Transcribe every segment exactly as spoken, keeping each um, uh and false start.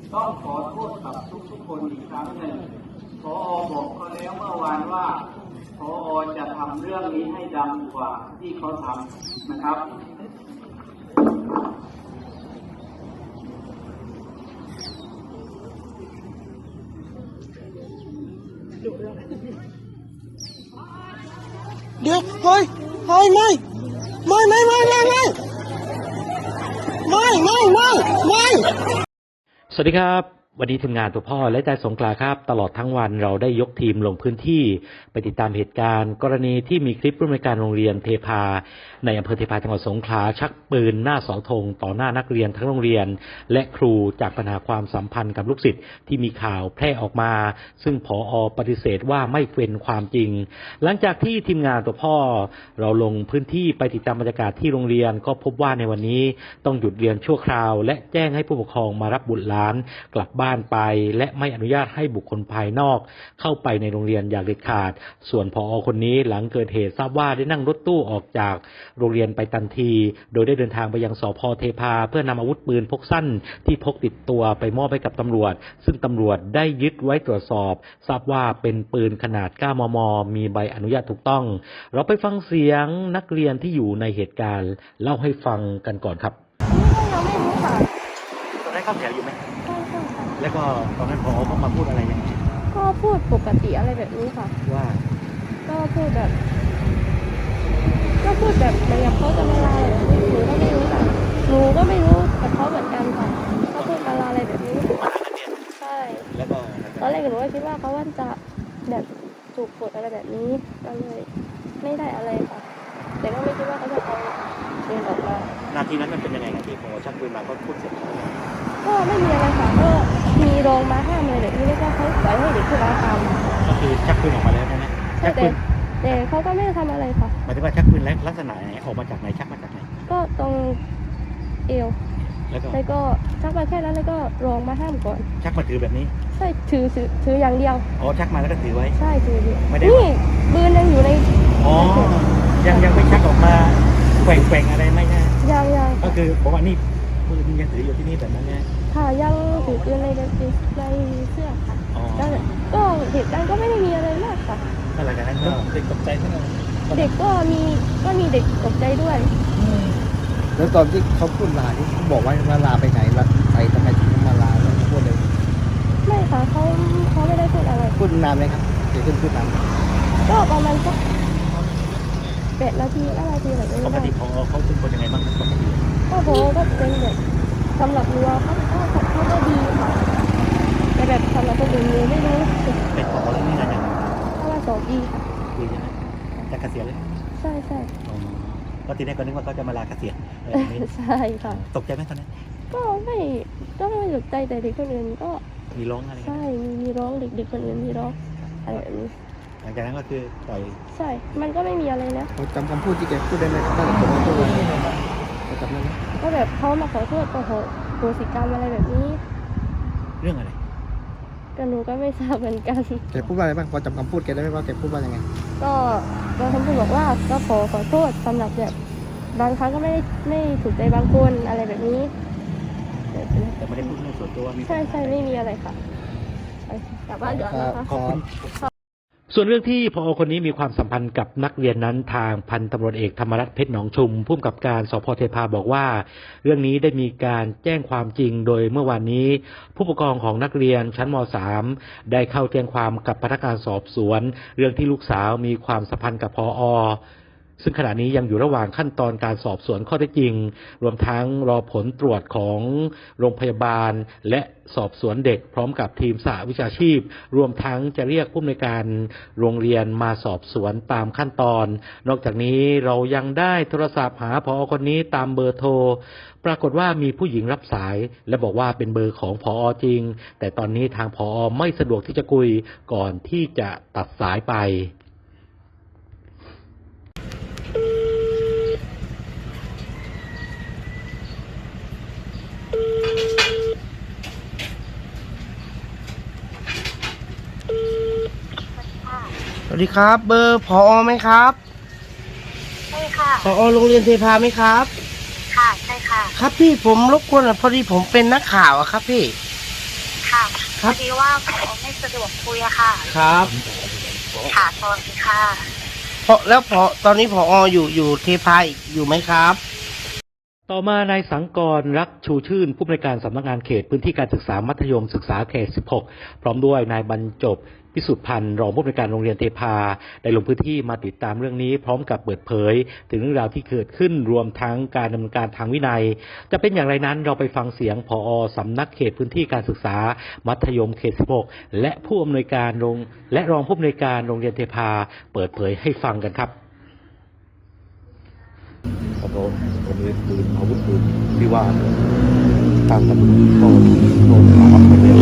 ต้องขอโทษกับทุกๆคนอีกครั้งหนึ่งผอ.บอกเขาแล้วเมื่อวานว่าผอ.จะทำเรื่องนี้ให้ดังกว่าที่เขาทำนะครับเดี๋ยวเฮ้ยเฮ้ยไม่ไม่ไม่ไม่ไม่ไม่ไม่ไม่ไม่ไม่สวัสดีครับวันนี้ทีมงานตัวพ่อและใจสงขลาครับตลอดทั้งวันเราได้ยกทีมลงพื้นที่ไปติดตามเหตุการณ์กรณีที่มีคลิปผู้อำนวยการโรงเรียนเทพาในอำเภอเทพาจังหวัดสงขลาชักปืนหน้าเสาธงต่อหน้านักเรียนทั้งโรงเรียนและครูจากปัญหาความสัมพันธ์กับลูกศิษย์ที่มีข่าวแพร่ออกมาซึ่งผอ.ปฏิเสธว่าไม่เป็นความจริงหลังจากที่ทีมงานตัวพ่อเราลงพื้นที่ไปติดตามบรรยากาศที่โรงเรียนก็พบว่าในวันนี้ต้องหยุดเรียนชั่วคราวและแจ้งให้ผู้ปกครองมารับบุตรหลานกลับบ้านไปและไม่อนุญาตให้บุคคลภายนอกเข้าไปในโรงเรียนอย่างเด็ดขาดส่วนผอ.คนนี้หลังเกิดเหตุทราบว่าได้นั่งรถตู้ออกจากโรงเรียนไปทันทีโดยได้เดินทางไปยังสภ.เทพาเพื่อนำอาวุธปืนพกสั้นที่พกติดตัวไปมอบให้กับตำรวจซึ่งตำรวจได้ยึดไว้ตรวจสอบทราบว่าเป็นปืนขนาด เก้ามม.มีใบอนุญาตถูกต้องเราไปฟังเสียงนักเรียนที่อยู่ในเหตุการณ์เล่าให้ฟังกันก่อนครับเราไม่รู้ค่ะตอนนั้นเข้าแถวอยู่ไหมใช่ใช่ค่ะแล้วก็ตอนนั้นผอ.เขามาพูดอะไรยังไงก็พูดปกติอะไรแบบนี้ค่ะว่าก็พูดแบบก็พูดแบบเหมือนกับเขาจะมาลาอะไรแบบนี้หนูก็ไม่รู้ค่ะหนูก็ไม่รู้กับเขาเหมือนกันค่ะเขาพูดมาลาอะไรแบบนี้ใช่แล้วก็ตอนแรกหนูก็คิดว่าเขาว่าจะแบบถูกกดอะไรแบบนี้ก็เลยไม่ได้อะไรค่ะแต่ก็ไม่คิดว่าเขาจะเอาเดินออกมานาทีนั้นมันเป็นยังไงกันที่ผอ.ชักปืนมาก็พูดเสร็จก็ไม่มีอะไรค่ะก็มีรองมาห้ามอะไรแบบนี้แล้วก็เขาปล่อยให้เด็กที่ร้านทำก็คือชักปืนออกมาแล้วใช่ไหมชักปืนแต่เขาก็ไม่ได้ทำอะไรค่ะหมายถึงว่าชักปืนลักษณะไหนออกมาจากไหนชักมาจากไหนก็ตรงเอวแล้วก็แล้วก็ชักมาแค่นั้นแล้วก็รองมาห้ามก่อนชักมาถือแบบนี้ใช่ถือถือถืออย่างเดียวอ๋อชักมาแล้วก็ถือไว้ใช่ถือไม่ได้นี่ปืนยังอยู่ในอ๋อยังยังไม่ชักออกมาแกว่งแกว่งอะไรไม่ใช่ยังยังก็คือบอกว่านี่ปืนยังถืออยู่ที่นี่แบบนั้นเนี่ยค่ะยังถือปืนในในในเสื้อค่ะก็เหตุการณ์ก็ไม่ได้มีอะไรมากค่ะหลังจากนั้นก็เด็กตกใจใช่ไหมเด็กก็มีก็มีเด็กตกใจด้วยแล้วตอนที่เขาพูดลาที่เขาบอกว่าลาไปไหนลาไปทำไมถึงมาลาแล้วพูดเลยไม่ค่ะเขาเขาไม่ได้พูดอะไรพูดนานไหมครับเดี๋ยวขึ้นพูดนานก็ประมาณสักแปดนาทีห้านาทีแบบนี้ปกติเขาเขาเป็นคนยังไงบ้างปกติก็โหก็เป็นแบบสำหรับรัวเขาเขาเขาก็ดีค่ะแต่แบบสำหรับคนอื่นหนูไม่รู้เป็นของเรื่องนี้อะไรเพราะว่าสองปีค่ะปีใช่ไหมจะเกษียณเลยใช่ใช่ก็ทีแรกก็นึกว่าเขาจะมาลาเกษียณใช่ค่ะตกใจไหมตอนนั้นก็ไม่ก็ไม่ตกใจแต่เด็กคนอื่นก็มีร้องอะไรใช่มีมีร้องเด็กๆคนอื่นมีร้องอะไรแบบนี้หลังจากนั้นก็คือปล่อยใช่มันก็ไม่มีอะไรนะจำคำพูดที่แกพูดได้ไหมครับถ้าผมพูดอะไรจำได้ไหมก็แบบเขามาขอโทษก็โหโหสิกรรมอะไรแบบนี้เรื่องอะไรก็หนูก็ไม่ทราบเหมือนกันแกพูดว่าอะไรบ้างพอจำคำพูดแกได้ไหมว่าแกพูดว่ายังไงก็ก็คำพูดบอกว่าก็ขอขอโทษสำหรับแบบบางครั้งก็ไม่ไม่ถูกใจบางคนอะไรแบบนี้แต่ไม่ได้พูดเรื่องส่วนตัวใช่ใช่ไม่มีอะไรค่ะกลับบ้านเดี๋ยวนะคะขอบคุณส่วนเรื่องที่ผอ.คนนี้มีความสัมพันธ์กับนักเรียนนั้นทางพันตำรวจเอกธรรมรัตน์เพชรหนองชุมผู้กำกับการสภ.เทพาบอกว่าเรื่องนี้ได้มีการแจ้งความจริงโดยเมื่อวานนี้ผู้ปกครองของนักเรียนชั้นม.สาม ได้เข้าแจ้งความกับพนักงานสอบสวนเรื่องที่ลูกสาวมีความสัมพันธ์กับผอ.ซึ่งขณะนี้ยังอยู่ระหว่างขั้นตอนการสอบสวนข้อเท็จจริงรวมทั้งรอผลตรวจของโรงพยาบาลและสอบสวนเด็กพร้อมกับทีมสหวิชาชีพรวมทั้งจะเรียกผู้อำนวยการโรงเรียนมาสอบสวนตามขั้นตอนนอกจากนี้เรายังได้โทรศัพท์หาผอ.คนนี้ตามเบอร์โทรปรากฏว่ามีผู้หญิงรับสายและบอกว่าเป็นเบอร์ของผอ.จริงแต่ตอนนี้ทางผอ.ไม่สะดวกที่จะคุยก่อนที่จะตัดสายไปสวัสดีครับเบอร์ผอ.ไหมครับใช่ค่ะผอ.โรงเรียนเทพาไหมครับค่ะใช่ค่ะครับพี่ผมรบกวนพอดีผมเป็นนักข่าวอะครับพี่ค่ะคพรับอดีว่าผอไม่สะดวกคุยอะค่ะครับค่ะสวัสดีค่ะพอแล้วพอตอนนี้พออยู่อยู่เทพาอีกอยู่ไหมครับต่อมานายสังกรรักชูชื่นผู้อำนวยการสำนักงานเขตพื้นที่การศึกษามัธยมศึกษาเขต สิบหก พร้อมด้วยนายบรรจบพิสุทธิ์พันธ์รองผู้อำนวยการโรงเรียนเทพาได้ลงพื้นที่มาติดตามเรื่องนี้พร้อมกับเปิดเผยถึงเรื่องราวที่เกิดขึ้นรวมทั้งการดำเนินการทางวินัยจะเป็นอย่างไรนั้นเราไปฟังเสียงผอ.สำนักเขตพื้นที่การศึกษามัธยมเขต สิบหก และผู้อำนวยการโรงและรองผู้อำนวยการโรงเรียนเทพาเปิดเผยให้ฟังกันครับแล้วก็วันนี้ปืนอาวุธปืนที่ว่าเนี่ยทางตำรวจก็โดนมารับไปแล้ว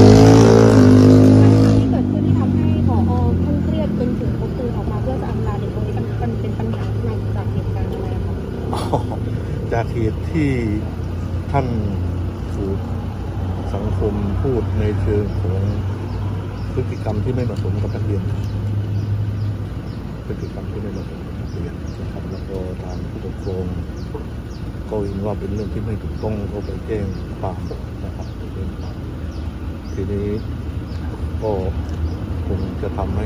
ที่เกิดขึ้นที่ทำให้ผอท่านเครียดจนถึงพกปืนออกมาเพื่อจะอำลาเด็กตรงนี้มันมันเป็นปัญหามาจากเหตุการณ์อะไรคะอ๋อจากเหตุที่ท่านถูกสังคมพูดในเชิงของพฤติกรรมที่ไม่เหมาะสมกับนักเรียนพฤติกรรมที่ไม่เหมาะสมกับนักเรียนนะครับแล้วก็ทางผู้ปกครองก็เห็นว่าเป็นเรื่องที่ไม่ถูกต้องก็ไปแจ้งความนะครับไปแจ้งความทีนี้ก็คงจะทำให้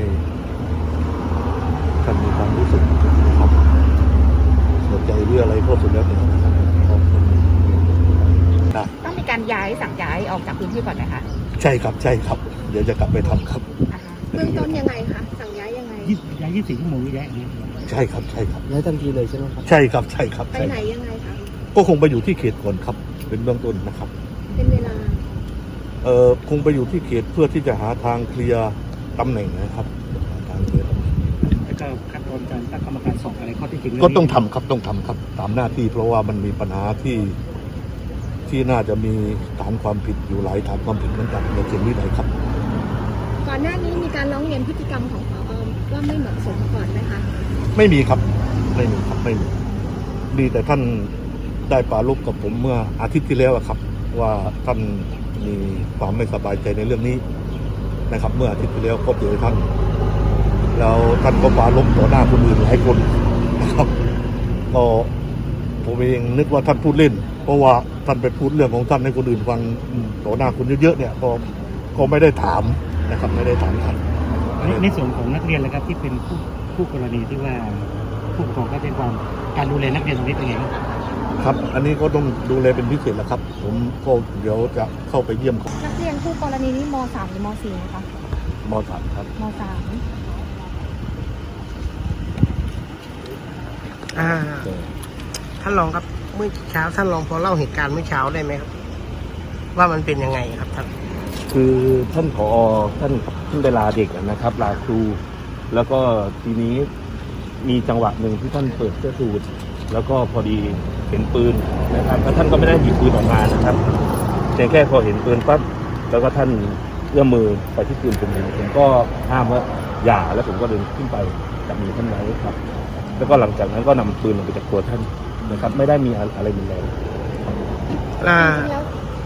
ท่านมีความรู้สึกนะครับเสียใจหรืออะไรก็สุดแล้วแต่นะครับก็ได้ต้องมีการย้ายสั่งย้ายออกจากพื้นที่ก่อนไหมคะใช่ครับใช่ครับ เดี๋ยวจะกลับไปทำครับอ่าฮะเบื้องต้นยังไงคะสั่งย้ายยังไงย้ายยี่สิบสี่ชั่วโมงย้ายอย่างนี้ใช่ครับใช่ครับย้ายทันทีเลยใช่ไหมครับใช่ครับใช่ครับไปใช่ไหนครับยังไงคะก็คงไปอยู่ที่เขตก่อนครับ เป็นเบื้องต้นนะครับเป็นเวลาเอ่อคงไปอยู่ที่เขตเพื่อที่จะหาทางเคลียร์ตำแหน่งนะครับหาทางเคลียร์ตำแหน่งแล้วก็ขั้นตอนการตั้งกรรมการสอบอะไรข้อเที่จริงก็ต้องทำครับต้องทำครับตามหน้าที่เพราะว่ามันมีปัญหาที่ที่น่าจะมีฐานความผิดอยู่หลายฐานความผิดเหมือนกันในเขตนี้เลยครับก่อนหน้านี้มีการร้องเรียนพฤติกรรมของผอว่าไม่เหมาะสมก่อนไหมคะไม่มีครับไม่มีครับไม่มีดีแต่ท่านได้ปรารภกับผมเมื่ออาทิตย์ที่แล้วอะครับ ว่าท่านมีความไม่สบายใจในเรื่องนี้นะครับ เมื่ออาทิตย์ที่แล้วก็เจอท่าน แล้วท่านก็ปรารภต่อหน้าคนอื่นหลายคนนะครับก็ผมเองนึกว่าท่านพูดเล่น เพราะว่าท่านไปพูดเรื่องของท่านให้คนอื่นฟังต่อหน้าคนเยอะๆเนี่ยก็ก็ไม่ได้ถามนะครับ ไม่ได้ถามท่านในในส่วนของนักเรียนเลยครับที่เป็นผู้ผู้กรณีที่ว่าผู้ปกครองก็แจ้งความการดูแลนักเรียนตรงนี้เป็นไงครับครับ อันนี้ก็ต้องดูแลเป็นพิเศษแล้วครับ ผมก็เดี๋ยวจะเข้าไปเยี่ยมเขานักเรียนคู่กรณีนี้ม สาม หรือม สี่นะคะมสามครับม สามอ่า ท่านรองครับเมื่อเช้าท่านรองพอเล่าเหตุการณ์เมื่อเช้าได้ไหมครับ ว่ามันเป็นยังไงครับท่านคือท่านผอท่านท่านได้ลาเด็กนะครับลาครู แล้วก็ทีนี้มีจังหวะหนึ่งที่ท่านเปิดเสื้อสูทแล้วก็พอดีเห็นปืนนะครับแล้วท่านก็ไม่ได้หยิบปืนออกมานะครับเพียงแค่พอเห็นปืนปั๊บแล้วก็ท่านเอื้อมมือไปที่ปืนผมเองผมก็ห้ามว่าอย่าแล้วผมก็เดินขึ้นไปจับมือท่านไว้ครับ แล้วก็หลังจากนั้นก็นำปืนลงไปจากตัวท่านนะครับ ไม่ได้มีอะไรรุนแรงอ่าแล้ว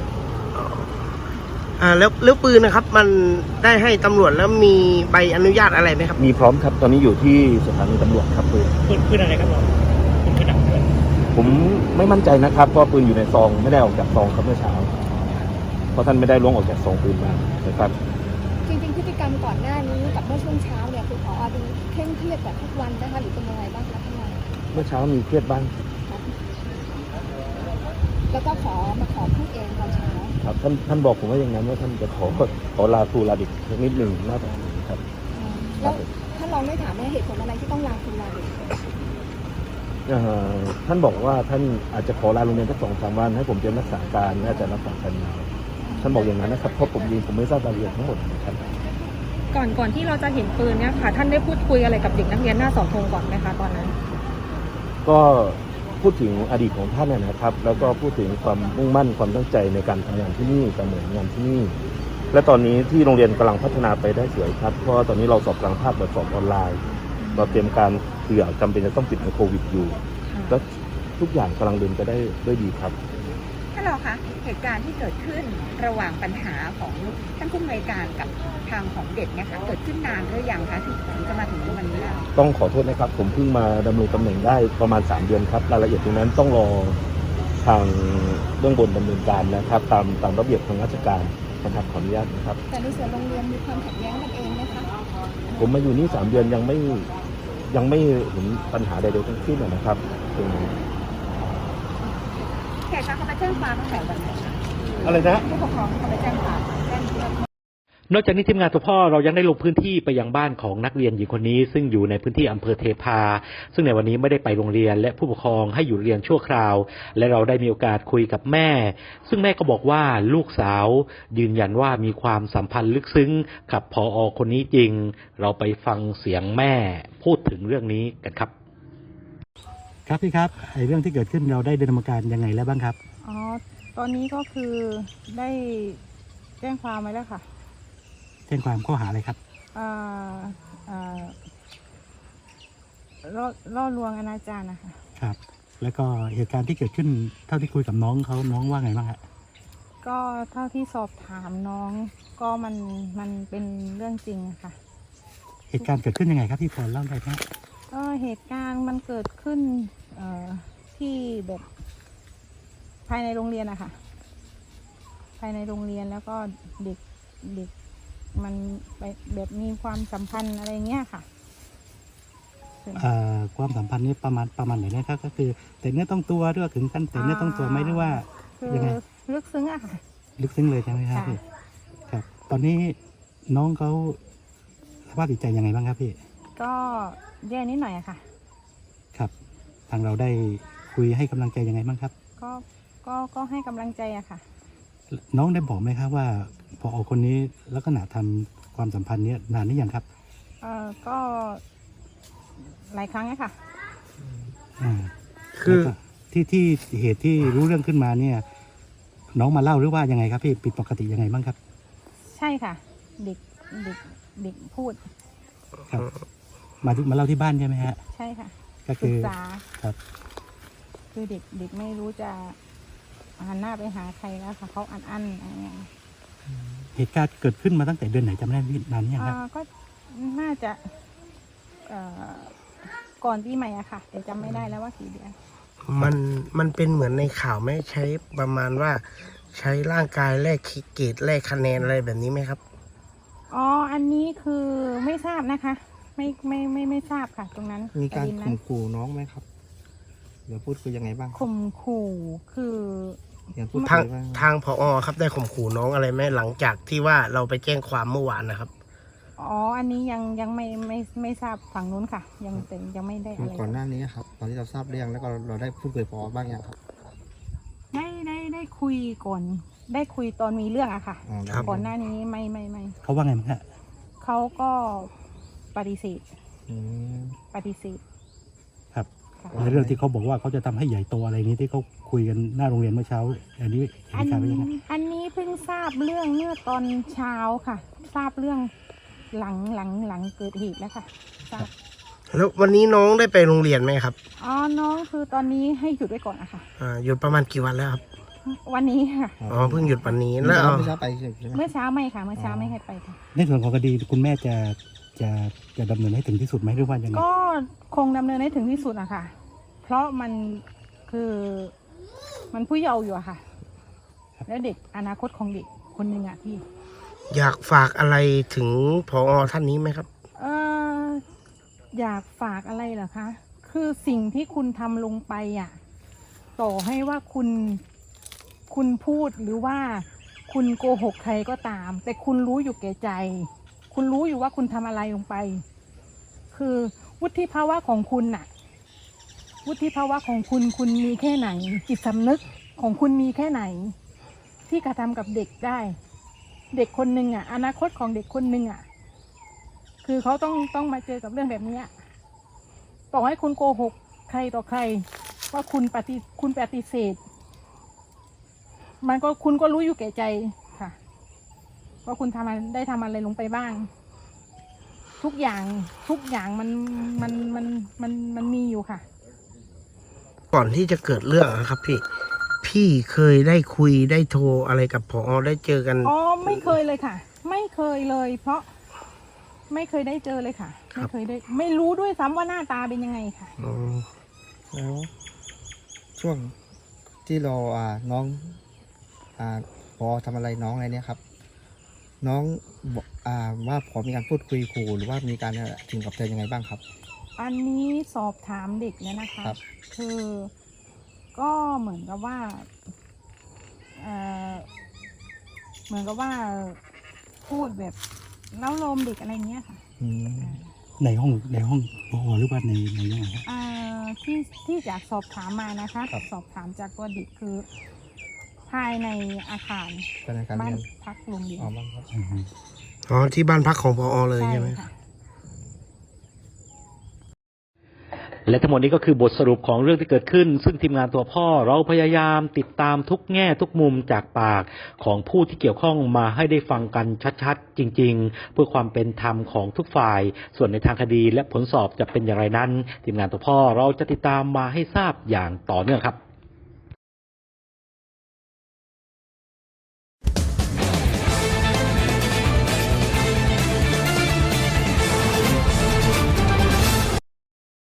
อ่าแล้วแล้วปืนนะครับ มันได้ให้ตำรวจแล้วมีใบอนุญาตอะไรไหมครับมีพร้อมครับตอนนี้อยู่ที่สถานีตำรวจครับปืนปืนปืนอะไรครับเราปืนกระดับผมไม่มั่นใจนะครับเพราะปืนอยู่ในซองไม่ได้ออกจากซองครับเมื่อเช้าเพราะท่านไม่ได้ล้วงออกจากซองปืนมานะครับจริงๆพฤติกรรมก่อนหน้านี้กับเมื่อช่วงเช้าเนี่ยคือผอดูเคร่งเครียดแบบทุกวันนะคะหรือเป็นยังไงบ้างคะท่านรองเมื่อเช้ามีเครียดบ้างแล้วก็ขอมาขอพูดเองตอนเช้าครับท่านท่านบอกผมว่าอย่างนั้นว่าท่านจะขอขอลาครูลาเด็กสักนิดหนึ่งน่าจะครับแล้วท่านรองได้ถามไหมเหตุผลอะไรที่ต้องลาคุณลาเด็กเอ่อท่านบอกว่าท่านอาจจะขอลาโรงเรียนสักสองสามวันให้ผมเตรียมรักษาการน่าจะรักษาการมาท่านบอกอย่างนั้นนะครับเพราะผมเองผมไม่ทราบรายละเอียดทั้งหมดนะครับก่อนก่อนที่เราจะเห็นปืนเนี่ยค่ะ ท่านได้พูดคุยอะไรกับเด็กนักเรียนหน้าเสาธงก่อนไหมคะตอนนั้นก็พูดถึงอดีตของท่านนะนะครับ แล้วก็พูดถึงความมุ่งมั่นความตั้งใจในการทำงานที่นี่การเหมือนงานที่นี่ และตอนนี้ที่โรงเรียนกำลังพัฒนาไปได้สวยครับเพราะว่าตอนนี้เราสอบกลางภาคแบบสอบออนไลน์ เราเตรียมการเผื่อจำเป็นจะต้องปิดในโควิดอยู่ และทุกอย่างกำลังเดินไปได้ด้วยดีครับท่านรองคะเหตุการณ์ที่เกิดขึ้นระหว่างปัญหาของท่านผู้อำนวยการกับทางของเด็กเนี่ยค่ะเกิดขึ้นนานหรือยังคะถึงจะมาถึงวันนี้ต้องขอโทษนะครับ ผมเพิ่งมาดำรงตำแหน่งได้ประมาณสามเดือนครับรายละเอียดตรงนั้นต้องรอทางเบื้องบนดำเนินการนะครับ ตามตามระเบียบทางราชการนะครับขออนุญาตนะครับแต่ในส่วนโรงเรียนมีความขัดแย้งกันเองไหมคะผมมาอยู่นี่สามเดือนยังไม่ยังไม่เห็นปัญหาใดๆทั้งสิ้นนะครับตรงนี้แขกเขาไปแจ้งความตั้งแต่วันไหนคะอะไรนะผู้ปกครองเขาไปแจ้งความแจ้งเรื่องนอกจากนี้ทีมงานตัวพ่อเรายังได้ลงพื้นที่ไปยังบ้านของนักเรียนหญิงคนนี้ซึ่งอยู่ในพื้นที่อำเภอเทพาซึ่งในวันนี้ไม่ได้ไปโรงเรียนและผู้ปกครองให้อยู่เรียนชั่วคราวและเราได้มีโอกาสคุยกับแม่ซึ่งแม่ก็บอกว่าลูกสาวยืนยันว่ามีความสัมพันธ์ลึกซึ้งกับผอ.คนนี้จริงเราไปฟังเสียงแม่พูดถึงเรื่องนี้กันครับครับพี่ครับไอ้เรื่องที่เกิดขึ้นเราได้ดำเนินการยังไงแล้วบ้างครับอ๋อ ตอนนี้ก็คือได้แจ้งความไว้แล้วค่ะแจ้งความข้อหาอะไรครับอ่าอ่าล่อล่อลวงอนาจารนะคะครับ แล้วก็เหตุการณ์ที่เกิดขึ้นเท่าที่คุยกับน้องเขาน้องว่าไงบ้างฮะก็เท่าที่สอบถามน้องก็มันมันเป็นเรื่องจริงอะค่ะเหตุการณ์เกิดขึ้นยังไงครับพี่พรเล่าได้ไหมก็เหตุการณ์มันเกิดขึ้นเอ่อที่แบบภายในโรงเรียนอะค่ะ ภายในโรงเรียนแล้วก็เด็กเด็กมันไปแบบมีความสัมพันธ์อะไรเงี้ยค่ะเอ่อความสัมพันธ์นี้ประมาณประมาณไหนนะครับก็คือแต่เนื้อต้องตัวหรือว่าถึงขั้นแต่เนื้อต้องตัวไหมหรือว่าคือยังไงลึกซึ้งอะค่ะลึกซึ้งเลยใช่ไหมครับค่ะพี่ครับ ตอนนี้น้องเขาสภาพจิตใจยังไงบ้างครับพี่ก็แย่นิดหน่อยอะค่ะครับ ทางเราได้คุยให้กำลังใจยังไงบ้างครับก็ก็ก็ให้กำลังใจอะค่ะน้องได้บอกไหมครับว่าพอคนนี้ลักษณะทำความสัมพันธ์เนี้ยนานหรือยังครับเอ่อก็หลายครั้งอะค่ะอ่าคือแล้วก็ที่ที่เหตุที่รู้เรื่องขึ้นมาเนี่ย น้องมาเล่าหรือว่ายังไงครับพี่ผิดปกติยังไงบ้างครับใช่ค่ะ เด็กเด็กเด็กพูดครับ มาที่มาเล่าที่บ้านใช่ไหมฮะใช่ค่ะก็ศึคืกอษาครับคือเด็กเด็กไม่รู้จะหันหน้าไปหาใครแล้วค่ะเขาอันอันอะไรอย่างเงี้ยเหตุการณ์เกิดขึ้นมาตั้งแต่เดือนไหนจำไม่ได้พี่นานหรือยังครับอ่าก็น่าจะเอ่อก่อนปีใหม่อะค่ะ แต่จำไม่ได้แล้วว่ากี่เดือนมันมันเป็นเหมือนในข่าวไหมใช้ประมาณว่าใช้ร่างกายแลกเกรดแลกคะแนนอะไรแบบนี้ไหมครับอ๋อ อันนี้คือไม่ทราบนะคะ ไม่ไม่ไม่ไม่ทราบค่ะ ตรงนั้นมีการประเด็นนั้ข่นมขู่น้องไหมครับเดี๋ยวพูดคุยยังไงบ้างข่มขู่คืออย่างพูดทางคุยบ้างทางผอครับได้ข่มขู่น้องอะไรไหมหลังจากที่ว่าเราไปแจ้งความเมื่อวานนะครับอ๋อ อันนี้ยังยังไม่ไม่ไม่ทราบฝั่งนู้นค่ะ ยังแต่ยังไม่ได้อะไรก่อนหน้านี้ครับ ตอนที่เราทราบเรื่องแล้วก็เราได้พูดคุยพอบ้างยังครับได้ได้ได้คุยก่อน ได้คุยตอนมีเรื่องอะค่ะอ๋อได้ก่อนหน้านี้ไม่ไม่ไม่เขาว่าไงบ้างฮะเขาก็ปฏิเสธอืมปฏิเสธครับค่ะในเรื่องที่เขาบอกว่าเขาจะทำให้ใหญ่โตอะไรนี้ที่เขาคุยกันหน้าโรงเรียนเมื่อเช้า อันนี้เหอันตุการณ์เป็นยังไงอันนี้เพิ่งทราบเรื่องเมื่อตอนเช้าค่ะ ทราบเรื่องหลังหลังหลังเกิดเหตุแล้วค่ะทราบแล้ววันนี้น้องได้ไปโรงเรียนไหมครับอ๋อ น้องคือตอนนี้ให้หยุดไว้ก่อนอะค่ะอ่าหยุดประมาณกี่วันแล้วครับวันนี้ค่ะอ๋อเพิ่งหยุดวันนี้แล้แล้ว วเอาไม่ทราบไปใช่ไหมเมื่อเช้าไม่ค่ะ เมื่อเช้าไม่ให้ไปค่ะในส่วนของคดีคุณแม่จะจะจะดำเนินให้ถึงที่สุดไหมหรือว่ายังไงก็คงดำเนินให้ถึงที่สุดอะค่ะ เพราะมันคือมันผู้เยาว์อยู่อะค่ะ แล้วเด็กอนาคตของเด็กคนหนึ่งอะพี่อยากฝากอะไรถึงผอท่านนี้ไหมครับเอออยากฝากอะไรเหรอคะ คือสิ่งที่คุณทำลงไปอ่ะ ต่อให้ว่าคุณคุณพูดหรือว่าคุณโกหกใครก็ตาม แต่คุณรู้อยู่แก่ใจ คุณรู้อยู่ว่าคุณทำอะไรลงไป คือวุฒิภาวะของคุณน่ะ วุฒิภาวะของคุณคุณมีแค่ไหน จิตสำนึกของคุณมีแค่ไหน ที่กระทำกับเด็กได้ เด็กคนหนึ่งอ่ะ อนาคตของเด็กคนหนึ่งอ่ะ คือเขาต้องต้องมาเจอกับเรื่องแบบนี้อะต่อให้คุณโกหกใครต่อใคร ว่าคุณปฏิคุณปฏิเสธ มันก็คุณก็รู้อยู่แก่ใจค่ะว่าคุณทำอะไรได้ทำอะไรลงไปบ้าง ทุกอย่างทุกอย่างมันมันมันมันมันมีอยู่ค่ะก่อนที่จะเกิดเรื่องนะครับ พี่ พี่เคยได้คุยได้โทรอะไรกับผอได้เจอกันอ๋อไม่เคยเลยค่ะ ไม่เคยเลย เพราะไม่เคยได้เจอเลยค่ะ ไม่เคยได้ ไม่รู้ด้วยซ้ำว่าหน้าตาเป็นยังไงค่ะอ๋อแล้วช่วงที่เราอ่าน้องอ่าพอทำอะไรน้องอะไรเนี่ยครับน้องบอกอ่าว่าพอมีการพูดคุยขู่หรือว่ามีการถึงกับใจยังไงบ้างครับอันนี้สอบถามเด็กแล้วนะคะครับคือก็เหมือนกับว่าเอ่อเหมือนกับว่าพูดแบบเล้าโลมเด็กอะไรเงี้ยค่ะอืมในห้องในห้องพอหรือว่าในในยังไงครับอ่าที่ที่จากสอบถามมานะคะครับสอบถามจากตัวเด็กคือ ภายในอาคารเป็นอาการบ้านเรียนพักโรงเรียนอ๋อบ้างครับอ๋อที่บ้านพักของพอเลยใช่ไหมค่ะและทั้งหมดนี้ก็คือบทสรุปของเรื่องที่เกิดขึ้น ซึ่งทีมงานตัวพ่อเราพยายามติดตามทุกแง่ทุกมุมจากปากของผู้ที่เกี่ยวข้องมาให้ได้ฟังกันชัดๆจริงๆเพื่อความเป็นธรรมของทุกฝ่าย ส่วนในทางคดีและผลสอบจะเป็นอย่างไรนั้นทีมงานตัวพ่อเราจะติดตามมาให้ทราบอย่างต่อเนื่องครับ